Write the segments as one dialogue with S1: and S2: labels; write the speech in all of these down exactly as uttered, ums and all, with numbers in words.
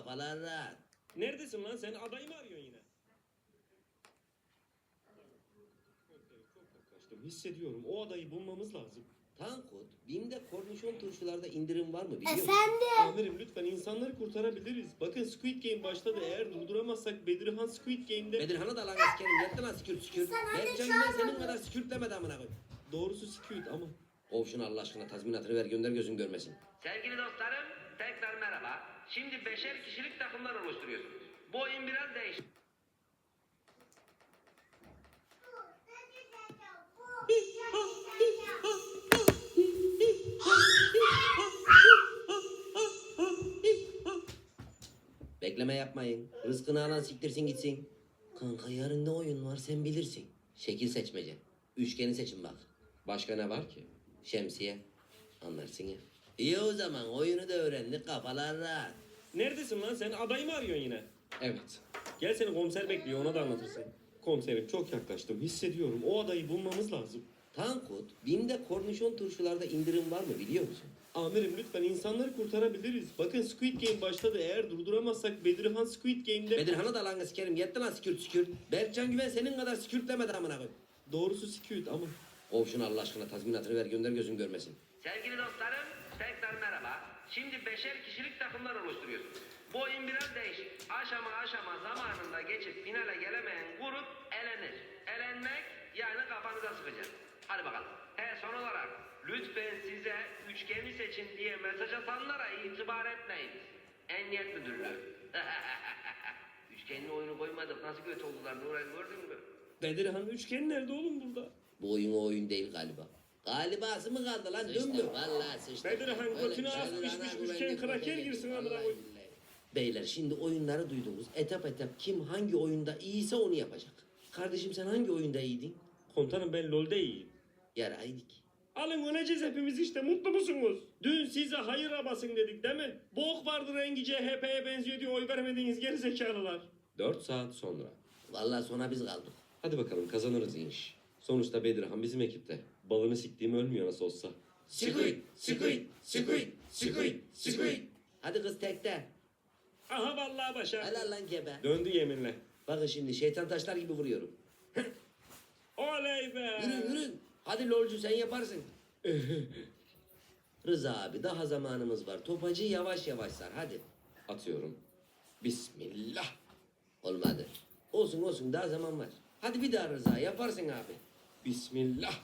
S1: kafalar rahat.
S2: Neredesin lan sen? Adayı mı arıyorsun yine? Çok yaklaştım. Hissediyorum. O adayı bulmamız lazım.
S1: Tankut, BİM'de kornişon turşularda indirim var mı biliyor musun?
S3: Efendim?
S2: Amirim lütfen insanları kurtarabiliriz. Bakın Squid Game başladı. Eğer durduramazsak Bedirhan Squid Game'de...
S1: Bedirhan'ı da lan askerim yattı lan skürt skürt.
S3: Sen hadi
S1: Berkcan
S3: çağır
S1: Güven senin
S3: onu.
S1: kadar skürt demedi amına koy.
S2: Doğrusu Squid ama...
S1: Kov şunu Allah aşkına tazminatını ver gönder gözün görmesin.
S4: Sevgili dostlarım, tekrar merhaba. Şimdi beşer kişilik takımlar oluşturuyorsunuz. Bu oyun biraz değişik.
S1: Bekleme yapmayın. Rızkını alan siktirsin gitsin. Kanka yarın ne oyun var sen bilirsin. Şekil seçmece. Üçgeni seçin bak.
S2: Başka ne var ki?
S1: Şemsiye. Anlarsın ya. İyi o zaman oyunu da öğrendik kafalar rahat.
S2: Neredesin lan sen? Adayı mı arıyorsun yine? Evet. Gel seni komiser bekliyor. Ona da anlatırsın. Komiserim çok yaklaştım. Hissediyorum. O adayı bulmamız lazım.
S1: Tankut, BİM'de kornişon turşularda indirim var mı biliyor musun?
S2: Amirim lütfen insanları kurtarabiliriz. Bakın Squid Game başladı. Eğer durduramazsak Bedirhan Squid Game'de...
S1: Bedirhan'ı da lan askerim yattı lan skürt skürt. Berkcan Güven senin kadar skürt demedi amına koy.
S2: Doğrusu Squid ama...
S1: Kov şunu Allah aşkına tazminatını ver gönder gözün görmesin.
S4: Sevgili dostlarım, tekrar merhaba. Şimdi beşer kişilik takımlar oluşturuyorsunuz. Bu oyun biraz değişik. Aşama aşama zamanında geçip finale gelemeyen grup elenir. Elenmek yani kafanıza sıkacak. Hadi bakalım. He son olarak lütfen size üçgeni seçin diye mesaj atanlara itibar etmeyiniz. Emniyet müdürler. Üçgenli oyunu koymadık nasıl kötü oldular Nuray gördün mü?
S2: Bedirhan üçgen nerede oğlum burada?
S1: Bu oyun o oyun değil galiba. Galibası mı kaldı lan dümbük? Vallahi sıçtı.
S2: Bedirhan
S1: Öyle
S2: götüne
S1: bir şey
S2: az
S1: olur,
S2: pişmiş
S1: ana
S2: üçgen
S1: güvenlik
S2: kraker
S1: güvenlik.
S2: girsin amına
S1: Vallahi
S2: koy.
S1: billahi. Beyler şimdi oyunları duydunuz. Etap etap kim hangi oyunda iyiyse onu yapacak. Kardeşim sen hangi oyunda iyiydin?
S2: Komutanım ben LoL'de iyiyim.
S1: Yaraydık.
S2: Alın öleceğiz hepimiz işte mutlu musunuz? Dün size hayır basın dedik değil mi? Bok vardı rengi C H P'ye benziyor diye oy vermediğiniz gerizekalılar. Dört saat sonra.
S1: Vallahi sona biz kaldık.
S2: Hadi bakalım kazanırız inş. Sonuçta Bedirhan bizim ekipte. Balını siktiğim ölmüyor nasıl olsa.
S1: Squid, squid, squid, squid, squid. Hadi kız tekte.
S2: Aha vallahi başardım.
S1: Helal lan gebe.
S2: Döndü yeminle.
S1: Bakın şimdi şeytan taşlar gibi vuruyorum.
S2: Oley be.
S1: Yürü yürü. Hadi lolcu sen yaparsın. Rıza abi daha zamanımız var. Topacı yavaş yavaş sar hadi.
S2: Atıyorum. Bismillah.
S1: Olmadı. Olsun olsun daha zaman var. Hadi bir daha Rıza yaparsın abi.
S2: Bismillah.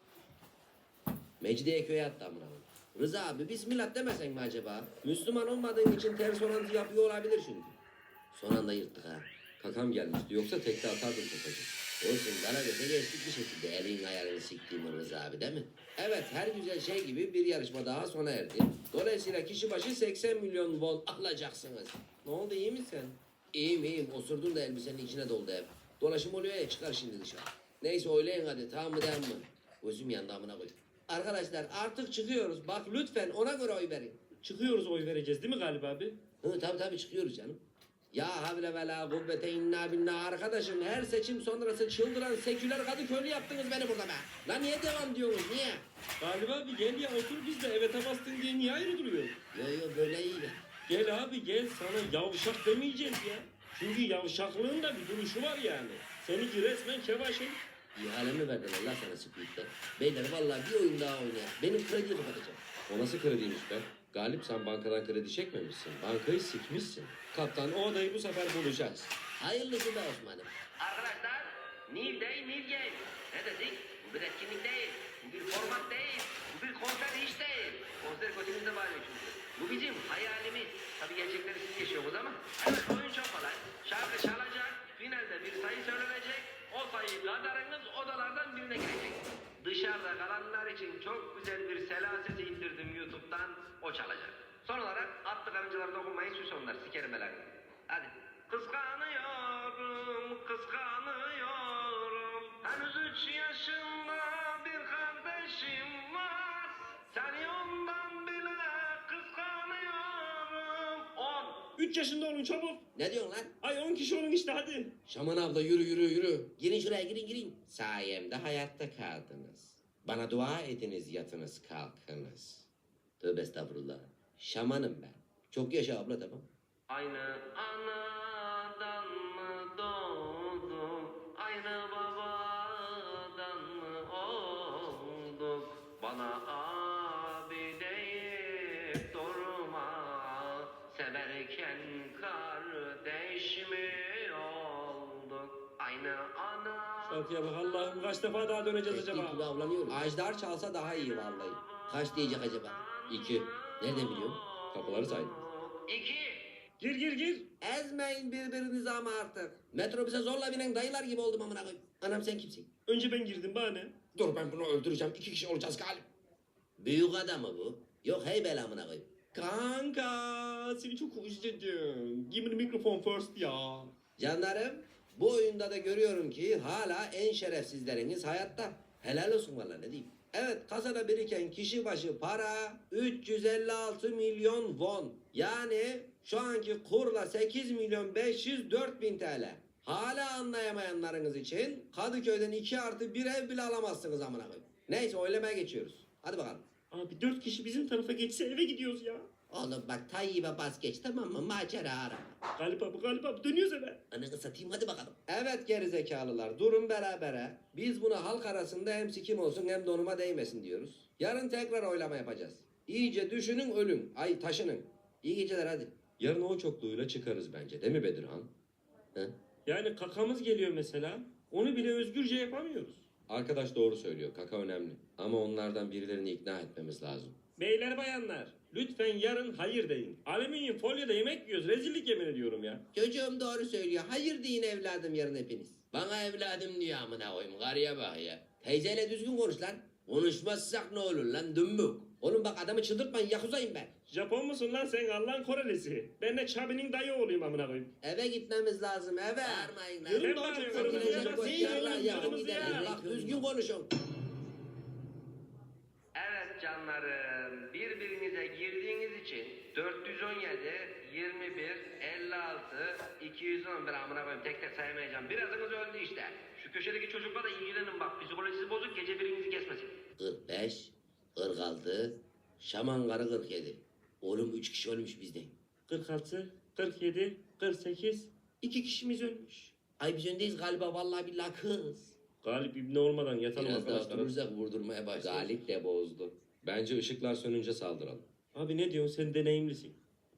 S1: Mecidiyeköy'e attı amına koyayım. Rıza abi bismillah demesen mi acaba? Müslüman olmadığın için ters orantı yapıyor olabilir çünkü. Son anda yırttık ha.
S2: Kakam gelmişti yoksa tekte atardım topacı.
S1: Olsun Karagöz'e geçtik bir şekilde elin ayarını siktiğim Rıza abi değil mi? Evet her güzel şey gibi bir yarışma daha sona erdi. Dolayısıyla kişi başı seksen milyon won alacaksınız. Ne oldu iyi misin? İyiyim iyiyim osurdun da elbisenin içine doldu hep. Dolaşım oluyor ya çıkar şimdi dışarı. Neyse oylayın hadi tamam mı değil mi? Gözüm yandı amına koy. Arkadaşlar artık çıkıyoruz. Bak lütfen ona göre oy verin.
S2: Çıkıyoruz oy vereceğiz değil mi Galip abi?
S1: Hı tabii tabii çıkıyoruz canım. Ya havle ve la kuvvete inna billah arkadaşım her seçim sonrası çıldıran seküler Kadıköylü yaptınız beni burada be. Lan niye devam diyorsunuz niye?
S2: Galip abi gel ya otur biz de evet bastın diye niye ayrı duruyor?
S1: Yo yo böyle iyi.
S2: Gel abi gel sana yavşak demeyeceğiz ya. Çünkü yavşaklığın da bir duruşu var yani. Seninki resmen kevaşın.
S1: İhale mi verdin Allah sana Squid'den? Beyler vallahi bir oyun daha oynayalım. Benim krediyi kapatacağım.
S2: O nasıl krediymiş be? Galip sen bankadan kredi çekmemişsin. Bankayı sikmişsin. Kaptan o adayı bu sefer bulacağız.
S1: Hayırlısı be Osman'ım.
S4: Arkadaşlar, New Day, New Game. Ne dedik? Bu bir etkinlik değil, bu bir format değil, bu bir konser hiç değil. Konser kötümüzde bağırıyor çünkü. Bu bizim hayalimiz. Tabii gerçekleri siz yaşıyorsunuz ama. Evet, oyun çok kolay. Şarkı çalacak, finalde bir sayı söylenecek. O sayı kadarınız odalardan birine girecek. Dışarıda kalanlar için çok güzel bir selasesi indirdim YouTube'dan. O çalacak. Son olarak atlı karıncalara dokunmayın, süs onlar, sikerim belanı. Hadi. Kıskanıyorum, kıskanıyorum. Henüz üç yaşında bir kardeşim var. Seni ondan bile kıskanıyorum. On.
S2: Üç yaşında olun çabuk.
S1: Ne diyorsun lan?
S2: Ay on kişi olun işte hadi.
S1: Şaman abla yürü yürü yürü. Girin şuraya girin girin. Sayemde hayatta kaldınız. Bana dua ediniz yatınız kalkınız. Tövbe estağfurullah. Şamanım ben. Çok yaşa abla tamam.
S4: Aynı anadan mı doğduk, aynı babadan mı olduk? Bana abi deyip durma, severken kardeş mi olduk? Aynı ana...
S2: Şarkıya bak Allah'ım, kaç defa daha döneceğiz
S1: Ettiği gibi
S2: acaba?
S1: avlanıyoruz. Ajdar çalsa daha iyi vallahi. Kaç diyecek acaba? İki. Nereden biliyorum?
S2: Kapıları saydım.
S4: İki.
S2: Gir gir gir.
S1: Ezmeyin birbirinizi ama artık. Metrobüse zorla binen dayılar gibi oldum amına koyayım. Anam sen kimsin?
S2: Önce ben girdim, bana ne?
S1: Dur ben bunu öldüreceğim. İki kişi olacağız galip. Büyük adam mı bu? Yok hey bela amına koyayım.
S2: Kanka, seni çok özledim. Give me the microphone first ya.
S1: Canlarım, bu oyunda da görüyorum ki hala en şerefsizleriniz hayatta. Helal olsun valla ne diyeyim. Evet, kasada biriken kişi başı para üç yüz elli altı milyon won. Yani şu anki kurla sekiz milyon beş yüz dört bin T L. Hala anlayamayanlarınız için Kadıköy'den iki artı bir ev bile alamazsınız amına koyayım. Neyse oylamaya geçiyoruz. Hadi bakalım.
S2: Abi dört kişi bizim tarafa geçse eve gidiyoruz ya.
S1: Oğlum bak Tayyip'e bas geç tamam mı? Macera arama.
S2: Galip abi, Galip abi dönüyoruz eve.
S1: Ananı satayım hadi bakalım. Evet gerizekalılar durun berabere. Biz buna halk arasında hem sikim olsun hem donuma değmesin diyoruz. Yarın tekrar oylama yapacağız. İyice düşünün ölün. Ay taşının. İyi geceler hadi.
S2: Yarın o çokluğuyla çıkarız bence, değil mi Bedirhan?
S1: He?
S2: Yani kakamız geliyor mesela. Onu bile özgürce yapamıyoruz.
S3: Arkadaş doğru söylüyor. Kaka önemli. Ama onlardan birilerini ikna etmemiz lazım.
S2: Beyler bayanlar, lütfen yarın hayır deyin. Alüminyum folyoda yemek yiyoruz. Rezillik yemin ediyorum ya.
S1: Çocuğum doğru söylüyor. Hayır deyin evladım yarın hepiniz. Bana evladım diyor amına koyayım. Karıya bak ya. Teyzeyle düzgün konuş lan. Konuşmazsak ne olur lan dümbük. Oğlum bak adamı çıldırtmayın yakuzayım ben.
S2: Japon musun lan sen, Allah'ın Korelisi? Ben de Çabi'nin dayı oğluyum amına koyayım.
S1: Eve gitmemiz lazım eve. Bağırmayın lan.
S2: Yürü
S1: Yürü
S2: lan,
S1: çok
S2: yürü,
S1: fakir
S2: yürü,
S1: olacak
S2: yürü,
S1: o
S2: yürü,
S1: yarlar
S2: yürü,
S1: yakın
S2: yürü,
S1: gidelim.
S2: yürü.
S1: Bak düzgün konuşun.
S4: Evet canlarım, birbirinize girdiğiniz için dört yüz on yedi, yirmi bir, elli altı, iki yüz on bir amına koyayım tek tek sayamayacağım. Birazınız öldü işte. Şu köşedeki çocukla da ilgilenin bak, psikolojisi bozuk gece birinizi kesmesin.
S1: kırk beş, kırk altı, şaman karı kırk yedi. Oğlum üç kişi ölmüş bizden.
S2: kırk altı, kırk yedi, kırk sekiz. İki kişimiz ölmüş.
S1: Ay biz öndeyiz galiba vallahi billahi kız.
S2: Galip ibne olmadan yatalım
S1: Biraz daha
S2: arkadaşlar.
S1: durursak vurdurmaya başlar.
S3: Galip de bozdu. Bence ışıklar sönünce saldıralım.
S2: Abi ne diyorsun, sen deneyimlisin.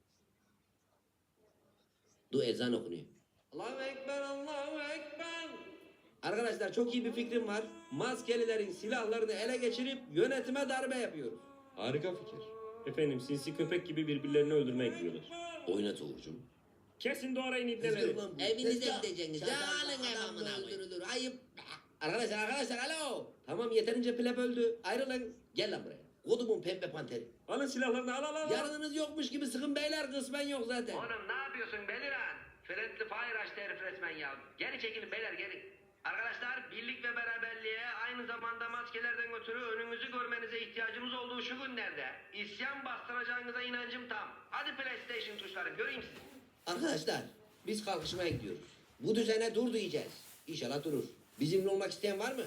S1: Dur ezan okunuyor. Allahu Ekber, Allahu Ekber. Arkadaşlar çok iyi bir fikrim var. Maskelilerin silahlarını ele geçirip yönetime darbe yapıyoruz.
S3: Harika fikir.
S2: Efendim sinsi köpek gibi birbirlerini öldürmeye gidiyorlar.
S1: Oynat Uğur'cum.
S2: Kesin doğrayın ibneleri.
S1: Evinize gideceksiniz. Alın ev amına öldürülür. Ayıp. Arkadaşlar arkadaşlar alo. Tamam yeterince pleb öldü. Ayrılın. Gel lan buraya. Kodumun pembe panteri.
S2: Alın silahlarını, al al al.
S1: Yarınınız yokmuş gibi sıkın beyler kısmen yok zaten.
S4: Oğlum ne yapıyorsun Beliran? Friendly Fire açtı herif resmen ya. Geri çekilin beyler geri. Arkadaşlar birlik ve beraberliğe aynı zamanda maskelerden ötürü önünüzü görmenize ihtiyacımız olduğu şu günlerde isyan bastıracağınıza inancım tam. Hadi PlayStation tuşları göreyim sizi.
S1: Arkadaşlar biz kalkışmaya gidiyoruz. Bu düzene dur diyeceğiz. İnşallah durur. Bizimle olmak isteyen var mı?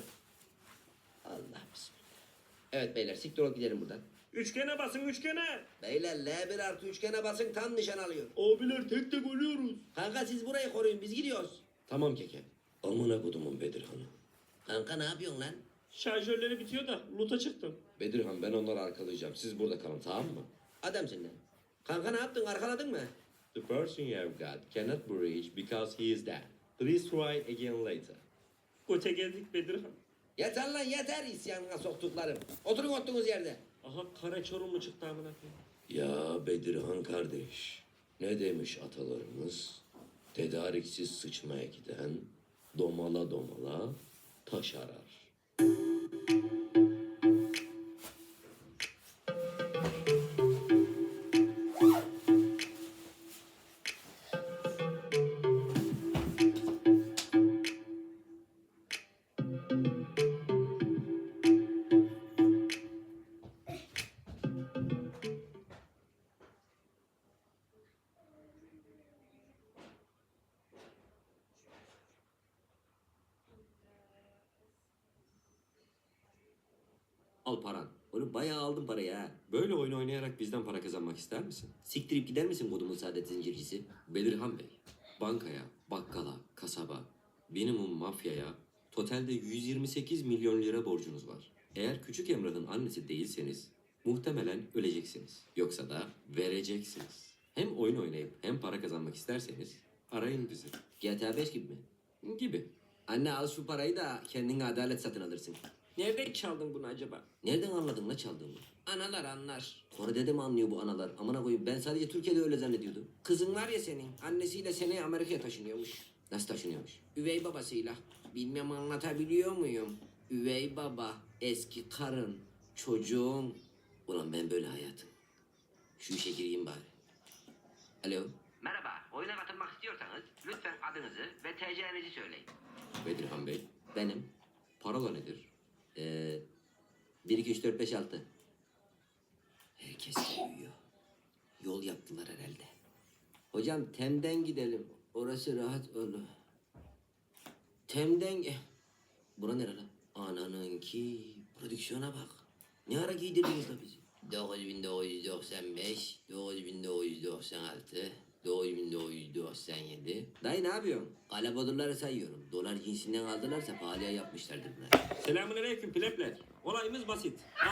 S1: Allah bismillah. Evet beyler siktir olup gidelim buradan.
S2: Üçgene basın, üçgene.
S1: Beyler L bir artı üçgene basın tam nişan alıyor.
S2: Abiler tek tek ölüyoruz.
S1: Kanka siz burayı koruyun biz gidiyoruz.
S3: Tamam keke. Amına kodumun Bedirhan'ı.
S1: Kanka ne yapıyorsun lan?
S2: Şarjörleri bitiyor da loot'a çıktım.
S3: Bedirhan ben onları arkalayacağım. Siz burada kalın tamam mı?
S1: Adamsın lan. Kanka ne yaptın arkaladın mı?
S3: The person you have got cannot be reached because he is dead. Please try again later.
S2: Koça geldik Bedirhan.
S1: Yeter lan yeter isyanına soktuklarım. Oturun oturduğunuz yerde.
S2: Aha kara çorumlu çıktı amına koyayım.
S3: Ya Bedirhan kardeş. Ne demiş atalarımız? Tedariksiz sıçmaya giden domala domala taş arar.
S1: Al paran.
S5: Oğlum bayağı aldım parayı ha.
S3: Böyle oyun oynayarak bizden para kazanmak ister misin?
S5: Siktirip gider misin kodumun saadet zincircisi?
S3: Belirhan Bey, bankaya, bakkala, kasaba, minimum mafyaya totalde yüz yirmi sekiz milyon lira borcunuz var. Eğer küçük Emrah'ın annesi değilseniz muhtemelen öleceksiniz. Yoksa da vereceksiniz. Hem oyun oynayıp hem para kazanmak isterseniz arayın bizi.
S5: G T A beş gibi mi?
S3: Gibi.
S5: Anne al şu parayı da kendine adalet satın alırsın.
S2: Nereden çaldın bunu acaba?
S5: Nereden anladın la çaldığımı?
S2: Analar anlar.
S5: Kore'de mi anlıyor bu analar? Amına koyayım ben sadece Türkiye'de öyle zannediyordum.
S2: Kızın var ya senin, annesiyle seneye Amerika'ya taşınıyormuş.
S5: Nasıl taşınıyormuş?
S2: Üvey babasıyla. Bilmem anlatabiliyor muyum? Üvey baba, eski karın, çocuğun.
S5: Ulan ben böyle hayatım. Şu işe gireyim bari. Alo.
S4: Merhaba, oyuna katılmak istiyorsanız lütfen adınızı ve T C'nizi söyleyin.
S3: Bedirhan Bey,
S5: Benim.
S3: parola nedir?
S5: Ee, bir, iki, üç, dört, beş, altı. Herkes uyuyor. Yol yaptılar herhalde. Hocam Tem'den gidelim. Orası rahat olur. Tem'den... ge- Bura nere lan? Ananınki. Prodüksiyona bak. Ne ara giydirdiniz la bizi? dokuz bin dokuz yüz doksan beş, dokuz bin dokuz yüz doksan altı, dokuz bin dokuz yüz doksan yedi. Dayı ne yapıyorsun? Kalabodurları sayıyorum. Dolar cinsinden aldılarsa pahalıya yapmışlardır bunlar.
S2: Selamünaleyküm plebler. Olayımız basit.